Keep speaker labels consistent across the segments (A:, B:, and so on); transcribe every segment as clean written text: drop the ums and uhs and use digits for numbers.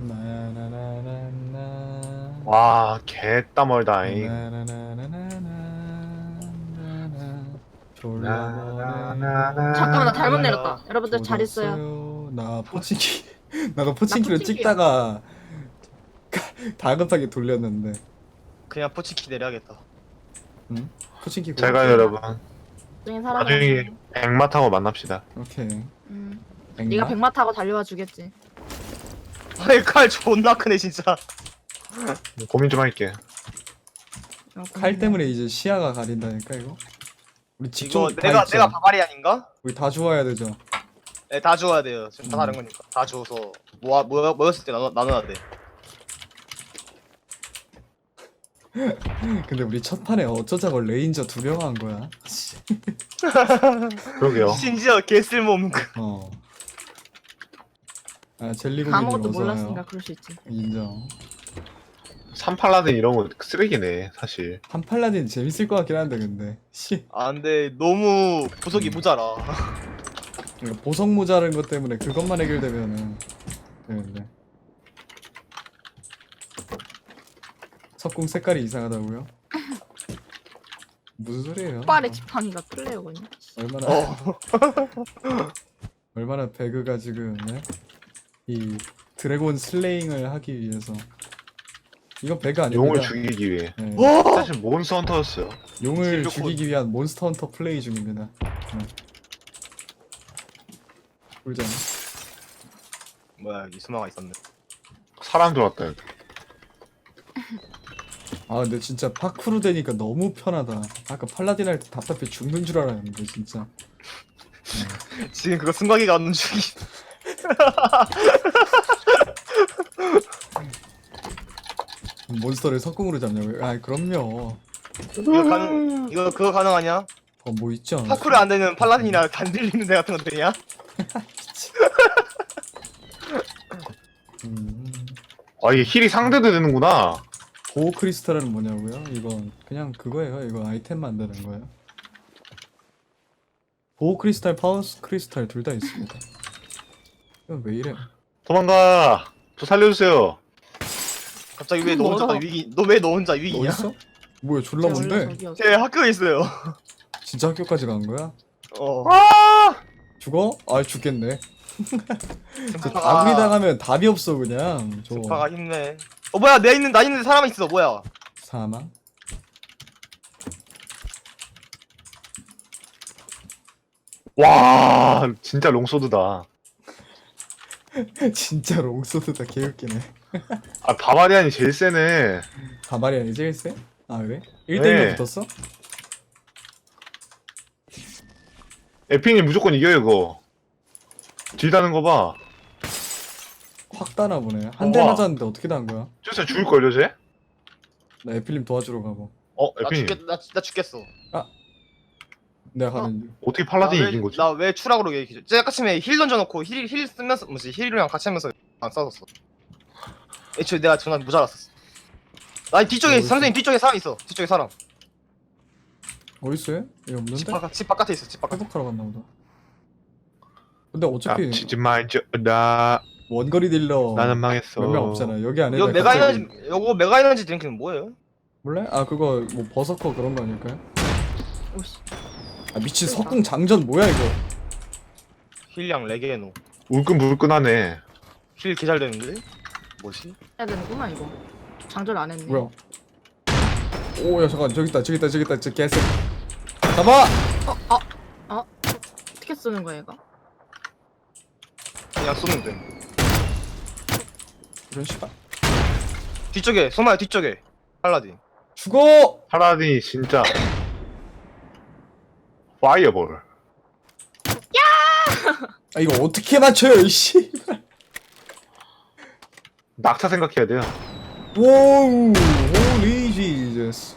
A: 나나나나나.
B: 와, 개땀 멀다잉.
A: 나나나나나나나나. 졸라버네.
C: 잠깐만 나 잘못
B: 아,
C: 내렸다. 여러분들 잘 있어요.
A: 조졌어요. 나 포칭키 나도 포칭키로
C: 포칭키야.
A: 찍다가 다급하게 돌렸는데.
D: 그냥 포치키 내려야겠다.
A: 응? 포칭키
B: 잘 가요, 여러분.
C: 나중에
B: 나중에
C: 살아남았어.
B: 백마 타고 만납시다.
A: 오케이.
C: 네가
A: 백마?
C: 백마 타고 달려와 주겠지.
D: 아니 칼 존나 크네 진짜.
B: 고민 좀 할게.
A: 칼 때문에 이제 시야가 가린다니까 이거. 우리
D: 이거
A: 직접 다
D: 내가
A: 있죠?
D: 바바리안인가?
A: 우리 다 주워야 되죠.
D: 네, 다 주워야 돼요. 지금 다 다른 거니까 다 주워서 모였을 때 나눠야 돼.
A: 근데 우리 첫 판에 어쩌자고 레인저 2명 한 거야.
B: 그러게요.
D: 심지어 개 쓸모없는 거.
A: 어. 아 젤리고기님
C: 아무것도
A: 어서
C: 몰랐으니까
A: 와요.
C: 그럴 수 있지.
A: 인정.
B: 3팔라딘 이런 거 쓰레기네, 사실.
A: 한팔라딘 재밌을 것 같긴 한데 근데. 씨.
D: 아 근데 너무 보석이 모자라.
A: 이거 보석 모자란 것 때문에 그것만 해결되면은 되는데. 석궁 색깔이 이상하다고요? 무슨 소리예요?
C: 빨의 지팡이가 플레이어거든요.
A: 얼마나
D: 어.
A: 얼마나 배그가 지금 네? 이 드래곤 슬레잉을 하기 위해서 이건 배그 아닙니다.
B: 용을 죽이기 위해.
A: 네.
B: 사실 몬스터 헌터였어요.
A: 용을
D: 진짜
A: 죽이기 위한 몬스터 헌터 플레이 중입니다. 네. 꿀잼.
D: 뭐야 여기 수마가 있었네.
B: 사람 들어왔다, 여기.
A: 아 근데 진짜 파쿠르 되니까 너무 편하다. 아까 팔라딘 할 때 답답해 죽는 줄 알았는데 진짜.
D: 지금 그거 승관이가 안 죽이.
A: 몬스터를 석궁으로 잡냐고요? 아 그럼요.
D: 이거 그거 가능하냐?
A: 뭐 있지 않아?
D: 파쿠르 안 되는 팔라딘이나 안 들리는 데 같은 거 되냐?
B: 아, 이게 힐이 상대도 되는구나.
A: 보호 크리스탈은 뭐냐고요? 이건 그냥 그거예요. 이거 아이템 만드는 거예요. 보호 크리스탈, 파워 크리스탈 둘 다 있습니다. 이건 왜 이래?
B: 도망가. 저 살려주세요.
D: 갑자기 왜 너 혼자
C: 멀어.
D: 위기? 너 왜 너 혼자
A: 너
D: 위기냐?
A: 있어? 뭐야 졸라
C: 원래
A: 뭔데?
C: 저기였어.
D: 제 학교에 있어요.
A: 진짜 학교까지 간 거야?
D: 어.
A: 죽어? 아 죽겠네. 저
D: 스파가-
A: 다구리 당하면 답이 없어 그냥. 저
D: 스파가 힘내. 어 뭐야 나 있는데 사람 있어 뭐야?
A: 사망.
B: 와, 진짜 롱소드다.
A: 진짜 롱소드다 개웃기네.
B: 아, 바바리안이 제일 세네.
A: 가발이 아니지 일세? 아 그래? 1대1로
B: 네.
A: 붙었어?
B: 에피님 무조건 이겨요, 이거. 딜 다는 거 봐.
A: 확 따나 보네. 한 대
B: 우와.
A: 맞았는데 어떻게 단 거야?
B: 진짜 죽을걸요, 쟤?
A: 나 에필림 도와주러 가고.
D: 나
B: 에피님.
D: 나 죽겠어.
A: 내가 가는 중.
B: 어떻게 팔라딘이 이긴 거지?
D: 나 왜 추락으로 얘기해? 제가 아침에 힐 던져놓고 힐 쓰면서 뭐지 힐이랑 같이 하면서 안 싸웠어. 애초에 내가 전화 모자랐었어. 나 뒤쪽에
A: 어딨어?
D: 선생님 뒤쪽에 사람 있어. 뒤쪽에 사람.
A: 어딨어? 얘? 얘 없는데?
D: 집 바깥에 있어. 집 바깥.
A: 회복하러 갔나 보다. 근데 어차피
B: 치지 말자.
A: 원거리 딜러
B: 나는 망했어.
A: 몇 명 없잖아. 여기 안에
D: 이거 메가 에너지 요거 메가 에너지 드링크는 뭐예요?
A: 몰래? 아 그거 뭐 버서커 그런 거 아닐까요?
C: 오씨.
A: 아 미친 석궁 장전 뭐야 이거?
D: 힐량 레게노.
B: 울끈불끈하네.
D: 힐 개잘 되는데? 뭐지?
C: 해야 되는구나 이거. 장전 안 했네.
A: 뭐야? 오야 잠깐 저기 있다 저 개새. 잡아!
C: 어떻게 쓰는 거야 얘가?
D: 그냥 쏘면 돼.
A: 이런 씨발.
D: 뒤쪽에 소마야 뒤쪽에 팔라딘.
A: 죽어!
B: 팔라딘이 진짜. 파이어볼.
A: 아 이거 어떻게 맞춰요 이씨.
B: 낙타 생각해야 돼요.
A: 오우 홀리 지저스.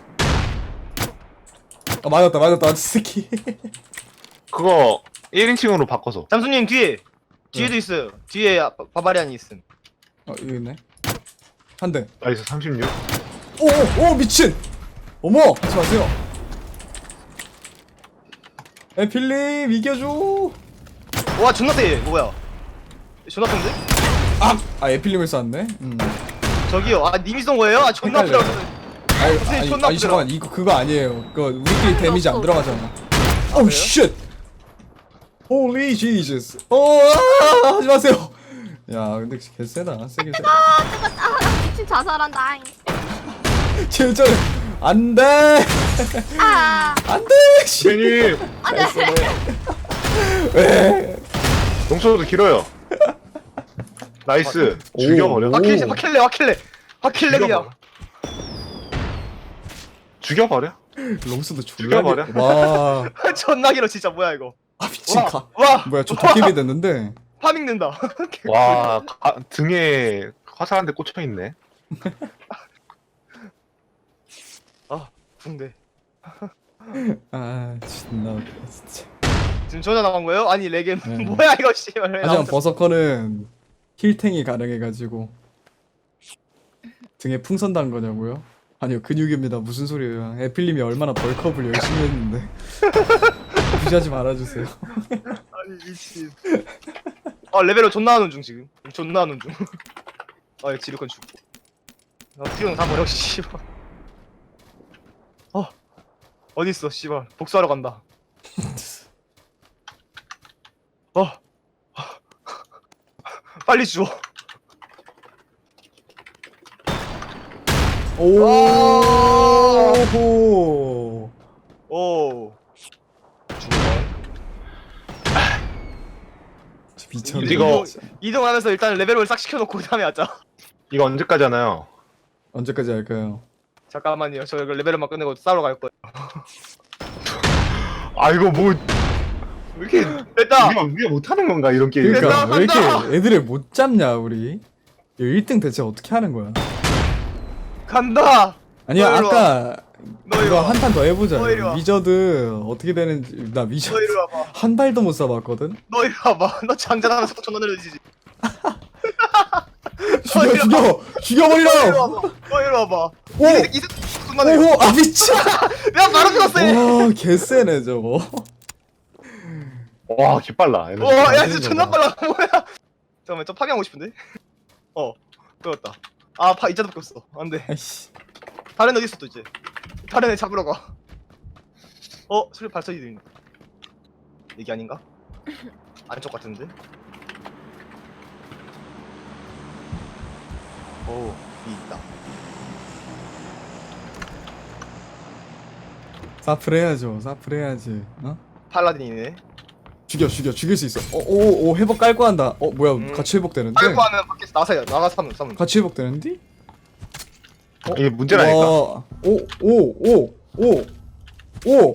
A: 아 맞았다 스키.
B: 그거 1인칭으로 바꿔서.
D: 잠수님 뒤에도 있어요. 뒤에 바바리안이 있음.
A: 여기 있네. 한 대.
B: 나이스 36.
A: 오 미친. 어머 하지 마세요. 에필립 이겨줘.
D: 와 존나 세. 뭐야? 존나 센데?
A: 에필림을 쐈네.
D: 저기요. 아 님이 쏜 거예요? 아 존나
A: 헷갈려요.
D: 아프다.
A: 아니,
D: 선생님, 존나
A: 아니 잠깐만 이거 그거 아니에요. 그거 우리끼리 데미지 안
C: 없어.
A: 들어가잖아. 오
D: 그래요?
A: 쉣. Holy Jesus. 하지 마세요. 야 근데 개쎄다. 세게 세.
C: 미친 자살한다.
A: 진짜 안돼. 안돼. 씨.
B: 괜히
A: 왜?
B: 동서도 길어요. 나이스.
A: 오.
B: 죽여버려.
D: 화킬레이야.
B: 죽여버려.
A: 롱스도
B: 죽여버려.
A: 와.
D: 존나 길어 진짜 뭐야 이거.
A: 아 미친 가.
D: 와
A: 뭐야 저 도깨비 됐는데.
D: 파밍된다.
B: 와 등에 화살 한 대 꽂혀 있네.
D: 아 붕대.
A: 아 존나 웃겨, 진짜.
D: 지금 전화 나간 거예요? 아니 레겜
A: 네.
D: 뭐야 이거 씨발. 왜
A: 하지만
D: 나왔어?
A: 버서커는 힐탱이 가능해가지고 등에 풍선 단 거냐고요? 아니요 근육입니다. 무슨 소리예요? 에필님이 얼마나 벌크업을 열심히 했는데 무시하지 말아주세요.
D: 아니 미친. 아 레벨을 존나 하는 중 지금. 존나 하는 중. 아 지르건 죽고. 피용 다 버려 씨발. 어디 있어 씨발. 복수하러 간다. 빨리 주워.
A: 오호.
D: 오.
A: 미쳤네.
B: 이거-
D: 이동하면서 일단 레벨을 싹 시켜놓고 그 다음에 하자.
B: 이거 언제까지 하나요?
A: 언제까지 할까요?
D: 잠깐만요. 저 이거 레벨만 끝내고 싸우러 갈 거예요.
B: 아 이거 뭐 왜 이렇게
D: 됐다.
B: 우리가 못하는 건가 이런 게임.
A: 그러니까
D: 됐다,
A: 왜
D: 간다.
A: 이렇게 애들을 못 잡냐 우리? 1등 대체 어떻게 하는 거야?
D: 간다.
A: 아니야
D: 너 이리
A: 아까
D: 너 이리
A: 이거
D: 와.
A: 한 판 더 해보자.
D: 너 이리 와.
A: 위저드 어떻게 되는지 나
D: 너
A: 위저드
D: 이리 와봐.
A: 한 발도 못 쏴봤거든.
D: 너 이리 와봐. 너 장전하면서 존나 느려지지.
A: 죽여 죽여 죽여버려.
D: 너 이리 와봐. 너 이리 와봐.
A: 오!
D: 이 새끼 존나 느려.
A: 오호 아 미친.
D: 내가 바로 죽었어. 얘.
A: 와 개쎄네 저거.
B: 와 개빨라. 얘네.
D: 야 진짜 존나 빨라. 뭐야? 잠깐만 좀 파괴하고 싶은데. 끌었다. 이자도 바뀌었어. 안돼.
A: 아이씨.
D: 다른 애 어디 있어 또 이제. 다른 애 잡으러 가. 소리 발소리 들린다. 이게 아닌가? 안쪽 같은데. 이 있다.
A: 사플 해야죠. 사플 해야지. 어?
D: 팔라딘이네.
A: 죽일 수 있어. 오 회복 깔고 한다. 뭐야 같이 회복되는데?
D: 팔고 하면 밖에서 나가서 싸면.
A: 같이 회복되는데?
B: 이게 문제라니까.
A: 오오오오오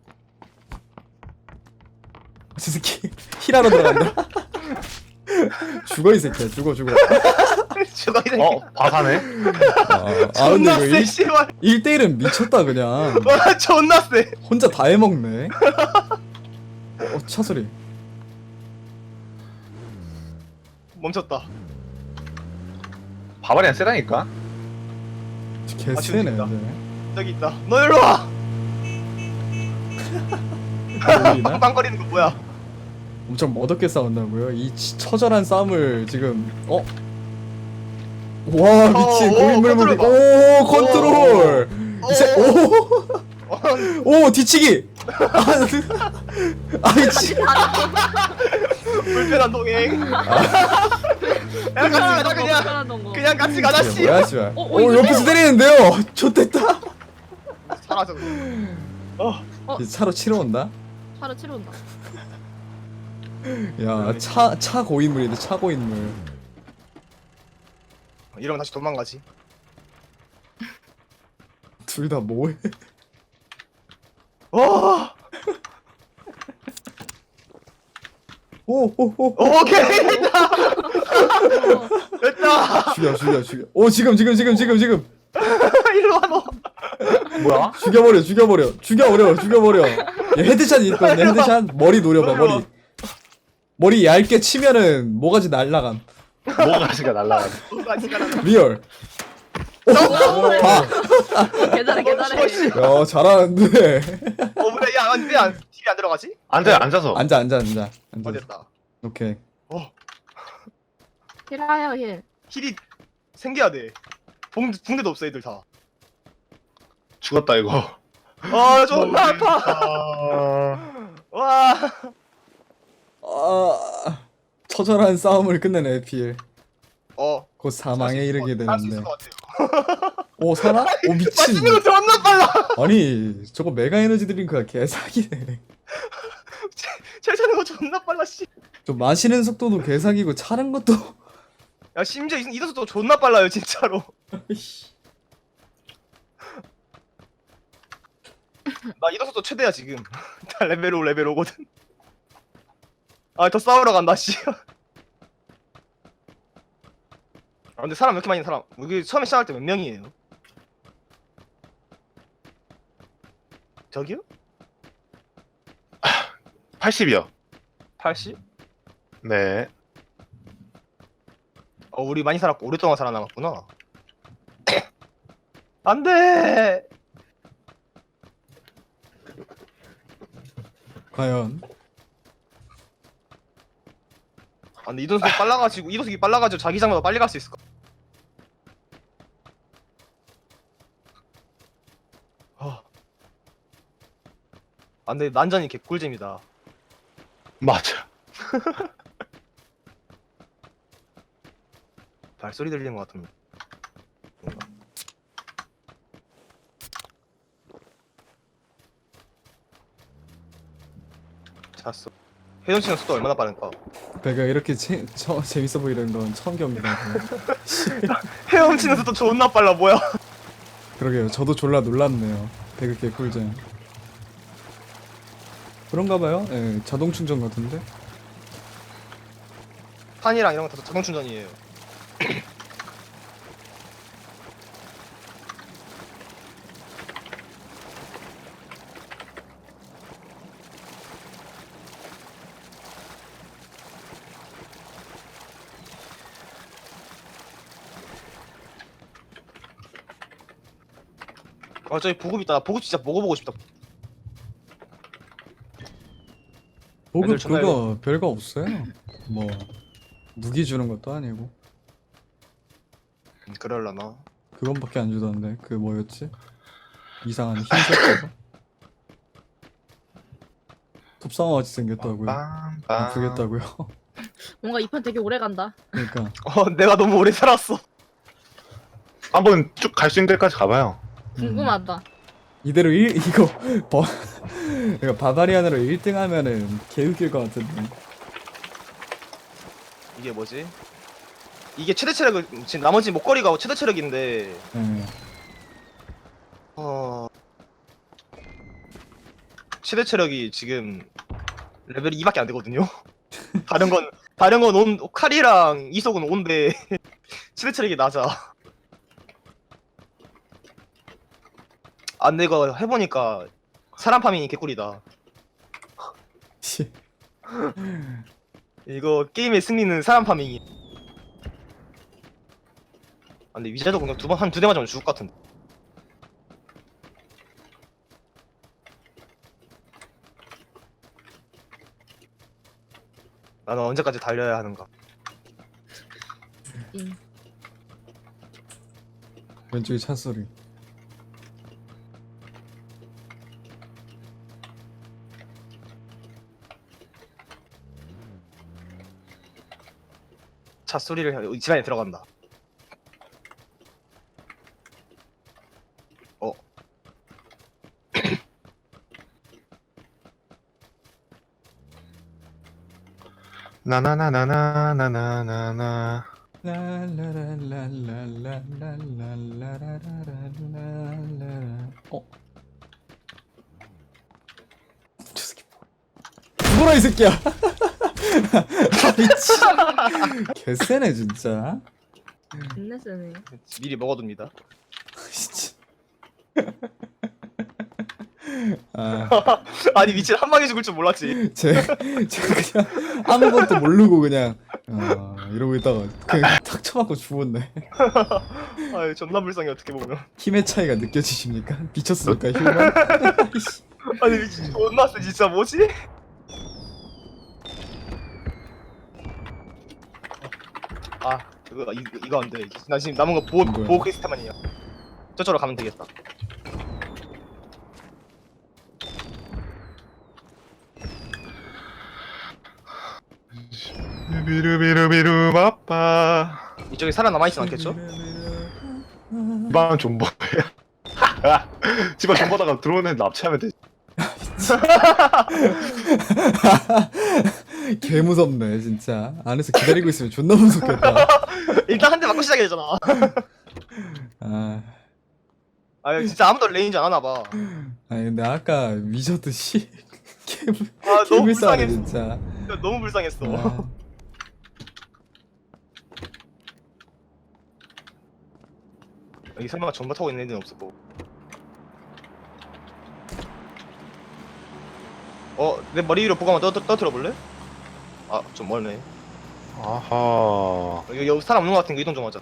A: 저 새끼 힐하러 들어간다. 죽어 이 새끼야. 죽어.
D: 죽어 이 새끼.
B: 바사네.
D: 존나
A: 근데
D: 세
A: 이거
D: 씨발.
A: 1대1은 미쳤다 그냥.
D: 와 존나 세.
A: 혼자 다 해먹네. 차 소리.
D: 멈췄다.
B: 바바리안 세다니까.
A: 개쎄네.
D: 죽인다.
A: 이제.
D: 저기 있다. 너 일로 와.
A: 보이나?
D: 빵빵거리는 거 뭐야?
A: 엄청 멋없게 싸운다고요? 이 처절한 싸움을 지금 와 미친 고인물 무기. 오 컨트롤. 이제 오 뒤치기. 아이씨.
D: 불편한 동행. 야 같이 가자 그냥 같이 가자 씨.
A: 뭐야 씨발.
C: 이거
A: 옆에서 때리는데요. 좋댔다.
D: 사라져.
A: 이제 차로 치러 온다.
C: 차로 치러 온다.
A: 야 차 고인물인데 차 고인물.
D: 이러면 다시 도망가지.
A: 둘 다 뭐해?
D: 와.
A: 오오오.
D: 오케이 됐다. 됐다.
A: 죽여. 오 지금.
D: 일로 와 너.
B: 뭐야?
A: 죽여버려. 얘 헤드샷이 있거든요. 헤드샷 머리 노려봐. 머리 얇게 치면은 뭐가지 날라감.
B: 뭐가지가 날라가.
D: 같이 가라.
A: 리얼.
C: 개잘해.
A: 야 잘하는데.
D: 뭐야 야왜 딜이 안 들어가지?
B: 앉아서.
A: 앉아.
D: 됐다.
A: 오케이.
C: 힐하여 힐.
D: 힐이 생겨야 돼. 붕대도 없어 애들 다.
B: 죽었다 이거.
D: 아 존나 아파. 와.
A: 처절한 싸움을 끝낸 에필. 곧 사망에
D: 할수
A: 이르게
D: 할수 있을
A: 되는데.
D: 것 같아요.
A: 오 살아? 오 미친.
D: 맞으면 존나 빨라.
A: 아니 저거 메가 에너지 드링크가 개사기네.
D: 차는 거 존나 빨라 씨.
A: 저 마시는 속도도 개사기고 차는 것도.
D: 야 심지어 이도수도 존나 빨라요 진짜로. 나 이도수도 최대야 지금. 다 레벨 5 레벨 5거든. 아 더 싸우러 간다 씨. 아 근데 사람 왜 이렇게 많이 있는 사람? 여기 처음에 시작할 때 몇 명이에요? 저기요?
B: 80이요.
D: 80?
B: 네.
D: 우리 많이 살았고 오랫동안 살아남았구나. 안돼.
A: 과연
D: 아 근데 이도석이 빨라가지고 자기장보다 빨리 갈 수 있을까? 아 근데 난전이 개꿀잼이다.
B: 맞아.
D: 발소리 들리는 것 같은데. 뭔가. 잤어. 회전치는 속도 얼마나 빠른가?
A: 배가 이렇게 재밌어 보이는 건 처음 겪니다.
D: 헤엄치는 속도 존나 빨라 뭐야?
A: 그러게요. 저도 졸라 놀랐네요. 배그 개꿀잼. 그런가 봐요. 예, 자동 충전 같은데.
D: 판이랑 이런 거 다 자동 충전이에요. 저기 보급 있다. 나 보급 진짜 먹어보고 싶다.
A: 보급
D: 애들 존나
A: 그거 별거 없어요. 뭐 무기 주는 것도 아니고
D: 그럴라나.
A: 그건밖에 안 주던데. 그 뭐였지? 이상한 흰색 거. 톱상어 같이 생겼다고요. 아프겠다고요.
C: 뭔가 이 판 되게 오래 간다.
A: 그러니까
D: 내가 너무 오래 살았어.
B: 한번 쭉 갈 수 있는 데까지 가봐요.
C: 궁금하다.
A: 이대로 이거 그러니까 바바리안으로 1등 하면은 개웃길 것 같은데.
D: 이게 뭐지? 이게 최대 체력을 지금 나머지 목걸이가 최대 체력인데
A: 예.
D: 최대 체력이 지금 레벨이 2밖에 안 되거든요. 다른 건 칼이랑 이속은 5인데 최대 체력이 낮아. 아 근데 이거 해보니까 사람 파밍이 개꿀이다.
A: 씨.
D: 이거 게임의 승리는 사람 파밍이. 아 근데 위자도 공격 한 두 대 맞으면 죽을 것 같은데. 나는 언제까지 달려야 하는가?
A: 왼쪽에 차 소리.
D: 차 소리를 집 안에 들어간다.
B: 나나나나나나나나나.
A: 라라라라라라라라라라라라라라. 저 새끼 죽어라 이 새끼야. 미친. 개쎄네 진짜.
C: 존나 세네.
D: 미리 먹어둡니다.
A: 진짜. 아,
D: 아니 미친 한 방에 죽을 줄 몰랐지.
A: 제가 그냥 아무것도 모르고 그냥 이러고 있다가 그냥 탁 쳐맞고 죽었네.
D: 아 존나 불쌍해 어떻게 보면.
A: 힘의 차이가 느껴지십니까? 미쳤습니까 휴먼?
D: 아니 미친 존나 세 진짜 뭐지? 아 이거 안 돼. 나 지금 남은 거 보호
A: 뭐야?
D: 보호 크리스탈만이야. 저쪽으로 가면 되겠다.
B: 비루비루비루 바빠.
D: 이쪽에 살아남아 있진 않겠죠?
B: 집안 존버야. 집안 존버다가 들어오는 애 납치하면 되지.
A: 개 무섭네 진짜. 안에서 기다리고 있으면 존나 무섭겠다.
D: 일단 한 대 맞고 시작해야 되잖아.
A: 아,
D: 아 진짜 아무도 레인지 안 하나 봐.
A: 아니 근데 아까 미쳤듯이
D: 아 너무
A: 개불쌍해
D: 불쌍했어.
A: 진짜.
D: 너무 불쌍했어.
A: 아,
D: 여기 설마 전부 타고 있는 애는 없을 거고. 내 머리 위로 보고 한번 떠들어 볼래? 아 좀 멀네.
B: 아하.
D: 여기 사람 없는 거 같은 거 이동 좀 하자.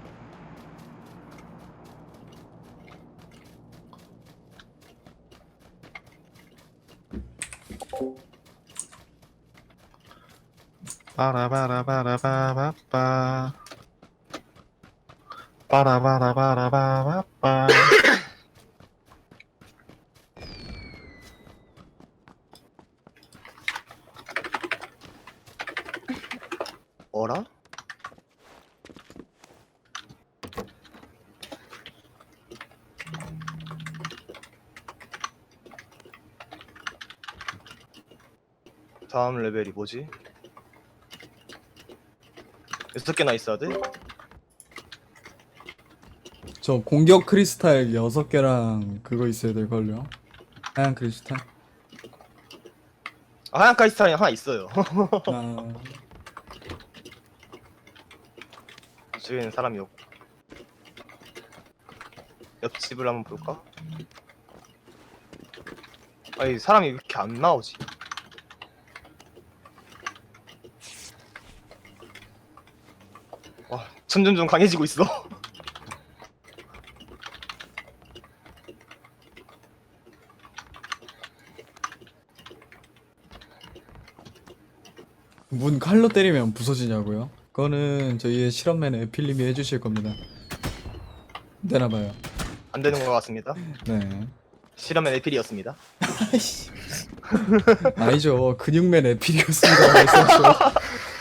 B: 빠라바라바라바바빠. 빠라바라바라바바빠.
D: 어라? 다음 레벨이 뭐지? 6개나 있어야 돼?
A: 저 공격 크리스탈 6개랑 그거 있어야 될걸요. 하얀 크리스탈.
D: 아, 하얀 크리스탈이 하나 있어요.
A: 아,
D: 저기에는 사람이 없고. 옆집을 한번 볼까? 아니 사람이 왜 이렇게 안 나오지? 와 점점 좀 강해지고 있어.
A: 문 칼로 때리면 부서지냐고요? 그거는 저희의 실험맨 에필님이 해주실 겁니다. 되나봐요.
D: 안 되는 것 같습니다.
A: 네.
D: 실험의 에필이었습니다.
A: 아이씨. 아니죠. 근육맨 에필이었습니다. 말씀하셔.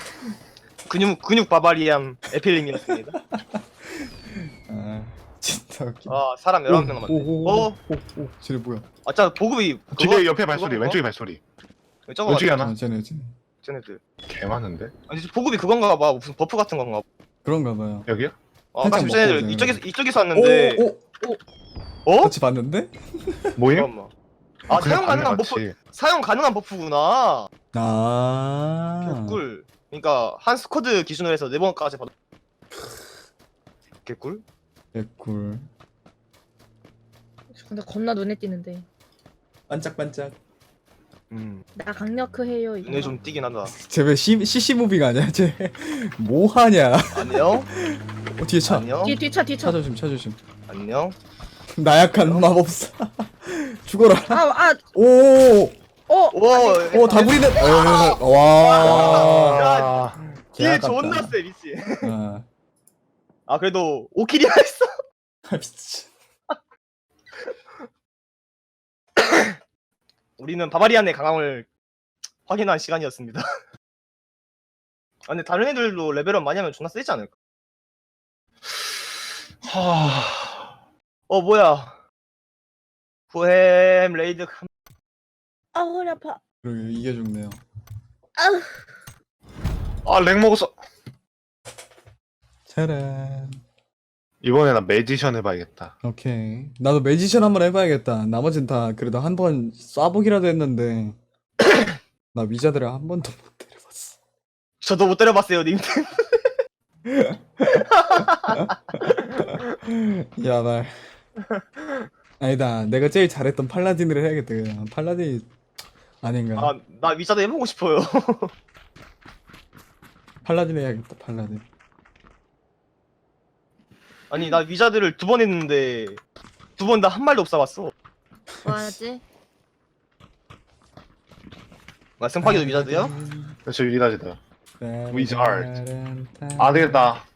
D: 근육 바바리안 에필님이었습니다.
A: 아, 진짜 웃겨.
D: 아 사람 11명 남았네.
A: 오, 쟤네 뭐야?
D: 아 진짜 보급이
B: 집에 옆에 발소리,
D: 그건가?
B: 왼쪽에 발소리.
D: 저거
B: 왼쪽에
D: 같아,
B: 하나?
A: 아, 쟤네.
D: 쟤네들.
B: 개 많은데?
D: 아니 보급이 그건가 봐. 무슨 버프 같은 건가 봐.
A: 그런가 봐요.
B: 여기요?
A: 한참
D: 아까 쟤네들
A: 먹고
D: 이쪽에서 왔는데 어?
A: 같이 봤는데?
B: 모임?
D: 잠깐만. 아 사용 가능한 버프
B: 맞지.
D: 사용 가능한 버프구나.
A: 아.
D: 개꿀. 그러니까 한 스쿼드 기준으로 해서 4번까지 받아. 개꿀?
A: 개꿀.
C: 근데 겁나 눈에 띄는데.
A: 반짝반짝.
C: 나 강력크 해요 이거.
D: 눈에 좀 띄긴 한다.
A: 쟤왜 CC 무빙 아니야? 쟤 뭐 하냐?
D: 안녕?
A: 뒤에 차.
D: 안녕?
C: 뒤차
A: 차 조심, 차 조심.
D: 안녕?
A: 나약한 마법사. 죽어라.
C: 아,
A: 오,
D: 오!
A: 다구리는. 와.
D: 딜 존나 세 미치.
A: 아,
D: 아 그래도 5킬이나 했어.
A: 미친.
D: 우리는 바바리안의 강함을 확인한 시간이었습니다. 아 근데 다른 애들도 레벨업 많이 하면 존나 세지 않을까? 뭐야? 보햄 레이드
C: 아 허리 아파.
A: 그러게 이게 죽네요.
B: 아, 렉 먹었어.
A: 짜란.
B: 이번에 나 매지션 해봐야겠다.
A: 오케이. 나도 매지션 한번 해봐야겠다. 나머진 다 그래도 한 번 쏴보기라도 했는데 나 위자들을 한 번도 못 때려봤어.
D: 저도 못 때려봤어요 님.
A: 야, 나 아니다. 내가 제일 잘했던 팔라딘을 해야겠다. 그냥 팔라딘이 아닌가?
D: 아 나 위자도 해보고 싶어요.
A: 팔라딘 해야겠다. 팔라딘.
D: 아니 나 위자들을 2번 했는데 2번 다 한 말도 없어봤어.
C: 뭐하지?
D: 나 승파기도 위자드야?
B: 저 유리다지다. 위자드. 아, 되겠다.